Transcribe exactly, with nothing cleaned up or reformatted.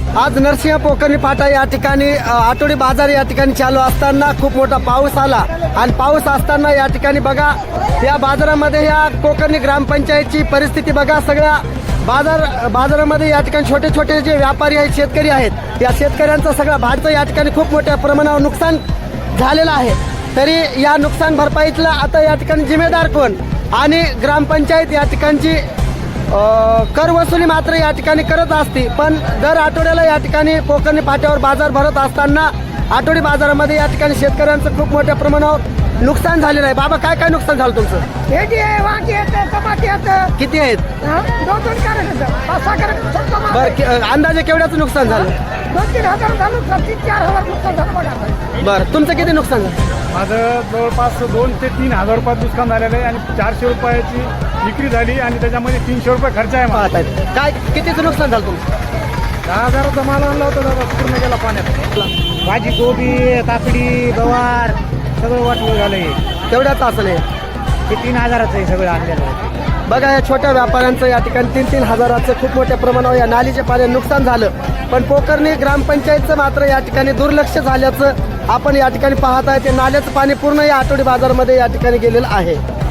आज नरसिंह पोखर्णी फाटा या ठिकाणी अ, आठवडी बाजार या ठिकाणी चालू असताना खूप मोठा पाऊस आला आणि पाऊस असताना या ठिकाणी बघा या बाजारामध्ये या कोकर्णी ग्रामपंचायतची परिस्थिती बघा. सगळ्या बाजार बाजारामध्ये या ठिकाणी छोटे छोटे जे व्यापारी आहेत, शेतकरी आहेत, या शेतकऱ्यांचा सगळा भाजीचं या ठिकाणी खूप मोठ्या प्रमाणावर नुकसान झालेलं आहे. तरी या नुकसान भरपाईतला आता या ठिकाणी जिम्मेदार कोण आणि ग्रामपंचायत या ठिकाणची अ, कर वसुली मात्र या ठिकाणी करत असते. पण दर आठवड्याला या ठिकाणी कोकर्णी फाट्यावर बाजार भरत असताना आठवडी बाजारामध्ये या ठिकाणी शेतकऱ्यांचं खूप मोठ्या प्रमाणावर नुकसान झालेलं आहे. बाबा काय काय नुकसान झालं तुमचं? भेंडी आहे, वांगी येतं, टमाटे येतं, किती आहेत? दोन दोन कॅरेट येतं, पाच सहा कॅरेट येतं. बरं कि- अंदाजे केवढ्याचं नुकसान झालं? दोन तीन हजार झालं, तीन चार हजार नुकसान झालं बघा. बरं तुमचं किती नुकसान झालं? माझं जवळपास दोन ते तीन हजार रुपयात नुकसान झालेलं आहे आणि चारशे रुपयाची विक्री झाली आणि त्याच्यामध्ये तीनशे रुपये खर्च आहे मला. पाहत आहेत काय कितीचं नुकसान झालं तुमचं? दहा हजाराचा माल आणला होता दादा, पूर्ण गेला पाण्यात. भाजी, गोबी, काकडी, गवार सगळं वाटलं झालंय. तेवढ्याच असं नाही. हे तीन हजाराचं आहे सगळं आणलेलं आहे. बघा या छोट्या व्यापाऱ्यांचं या ठिकाणी तीन तीन हजाराचं खूप मोठ्या प्रमाणावर या नालीच्या पाण्यात नुकसान झालं. पण पोखर्णी ग्रामपंचायतचं मात्र या ठिकाणी दुर्लक्ष झाल्याचं आपण या ठिकाणी पाहत आहे. ते नाल्याचं पाणी पूर्ण या आठवडी बाजारामध्ये या ठिकाणी गेलेलं आहे.